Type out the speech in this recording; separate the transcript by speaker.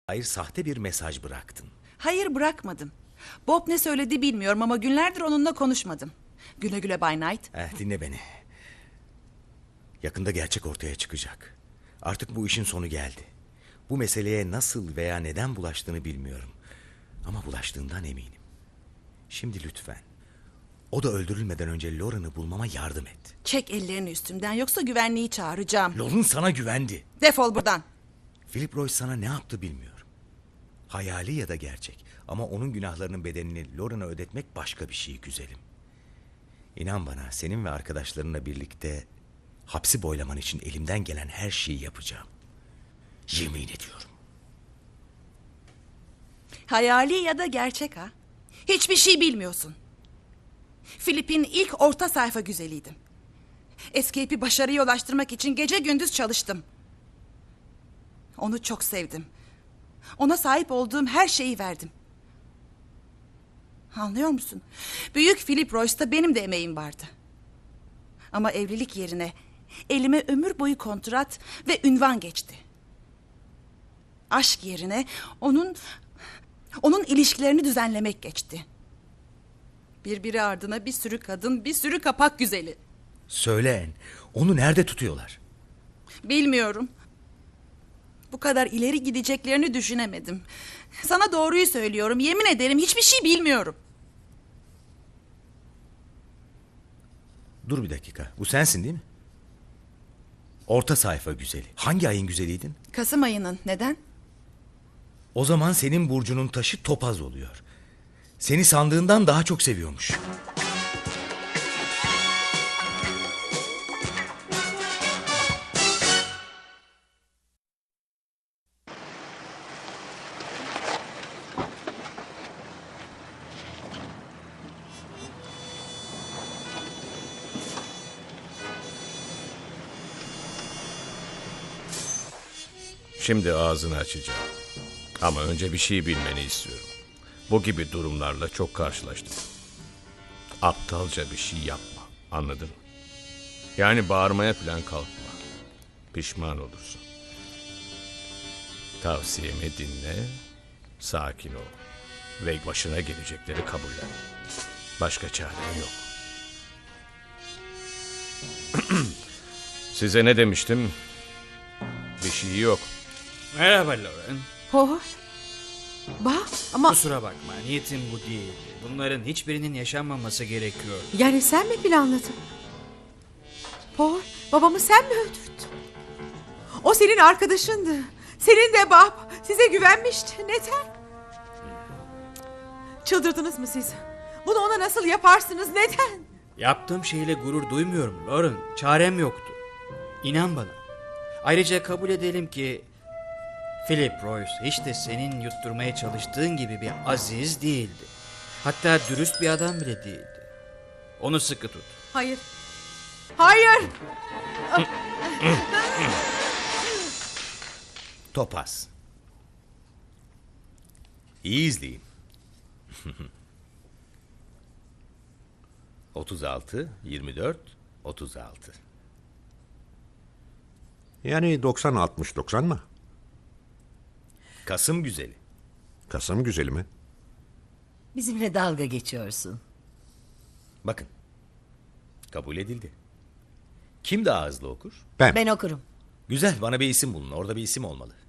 Speaker 1: Hayır, sahte bir mesaj bıraktın.
Speaker 2: Hayır, bırakmadım. Bob ne söyledi bilmiyorum ama günlerdir onunla konuşmadım. Güle güle Bay Knight.
Speaker 1: Dinle beni. Yakında gerçek ortaya çıkacak. Artık bu işin sonu geldi. Bu meseleye nasıl veya neden bulaştığını bilmiyorum. Ama bulaştığından eminim. Şimdi lütfen, o da öldürülmeden önce Lauren'ı bulmama yardım et.
Speaker 2: Çek ellerini üstümden yoksa güvenliği çağıracağım.
Speaker 1: Lauren sana güvendi.
Speaker 2: Defol buradan.
Speaker 1: Philip Royce sana ne yaptı bilmiyorum. Hayali ya da gerçek. Ama onun günahlarının bedelini Lauren'a ödetmek başka bir şey güzelim. İnan bana, senin ve arkadaşlarınla birlikte hapsi boylaman için elimden gelen her şeyi yapacağım. Yemin ediyorum.
Speaker 2: Hayali ya da gerçek ha? Hiçbir şey bilmiyorsun. Philip'in ilk orta sayfa güzeliydim. Escape'i başarıya ulaştırmak için gece gündüz çalıştım. Onu çok sevdim. Ona sahip olduğum her şeyi verdim. Anlıyor musun? Büyük Philip Royce'da benim de emeğim vardı. Ama evlilik yerine elime ömür boyu kontrat ve ünvan geçti. Aşk yerine onun ilişkilerini düzenlemek geçti. Birbiri ardına bir sürü kadın, bir sürü kapak güzeli.
Speaker 1: Söyle Anne, onu nerede tutuyorlar?
Speaker 2: Bilmiyorum. Bu kadar ileri gideceklerini düşünemedim. Sana doğruyu söylüyorum. Yemin ederim hiçbir şey bilmiyorum.
Speaker 1: Dur bir dakika. Bu sensin değil mi? Orta sayfa güzeli. Hangi ayın güzeliydin?
Speaker 2: Kasım ayının. Neden?
Speaker 1: O zaman senin burcunun taşı topaz oluyor. Seni sandığından daha çok seviyormuş.
Speaker 3: Şimdi ağzını açacağım. Ama önce bir şey bilmeni istiyorum. Bu gibi durumlarla çok karşılaştım. Aptalca bir şey yapma. Anladın mı? Yani bağırmaya falan kalkma. Pişman olursun. Tavsiyemi dinle. Sakin ol. Ve başına gelecekleri kabullen. Başka çare yok. Size ne demiştim? Bir şey yok.
Speaker 4: Merhaba Lauren.
Speaker 2: Oh. Bak ama
Speaker 4: Kusura bakma, niyetim bu değil. Bunların hiçbirinin yaşanmaması gerekiyor.
Speaker 5: Yani sen mi planladın? Paul, babamı sen mi öldürdün? O senin arkadaşındı. Senin de Bob. Size güvenmişti. Neden? Çıldırdınız mı siz? Bunu ona nasıl yaparsınız? Neden?
Speaker 4: Yaptığım şeyle gurur duymuyorum Lauren. Çarem yoktu. İnan bana. Ayrıca kabul edelim ki Philip Royce hiç de senin yutturmaya çalıştığın gibi bir aziz değildi. Hatta dürüst bir adam bile değildi. Onu sıkı tut.
Speaker 5: Hayır. Hayır.
Speaker 1: Topaz. İyi izleyin. 36, 24, 36.
Speaker 6: Yani 90-60-90 mı?
Speaker 1: Kasım güzeli.
Speaker 6: Kasım güzeli mi?
Speaker 7: Bizimle dalga geçiyorsun.
Speaker 1: Bakın. Kabul edildi. Kim daha hızlı okur?
Speaker 6: Ben.
Speaker 7: Ben okurum.
Speaker 1: Güzel, bana bir isim bulun. Orada bir isim olmalı.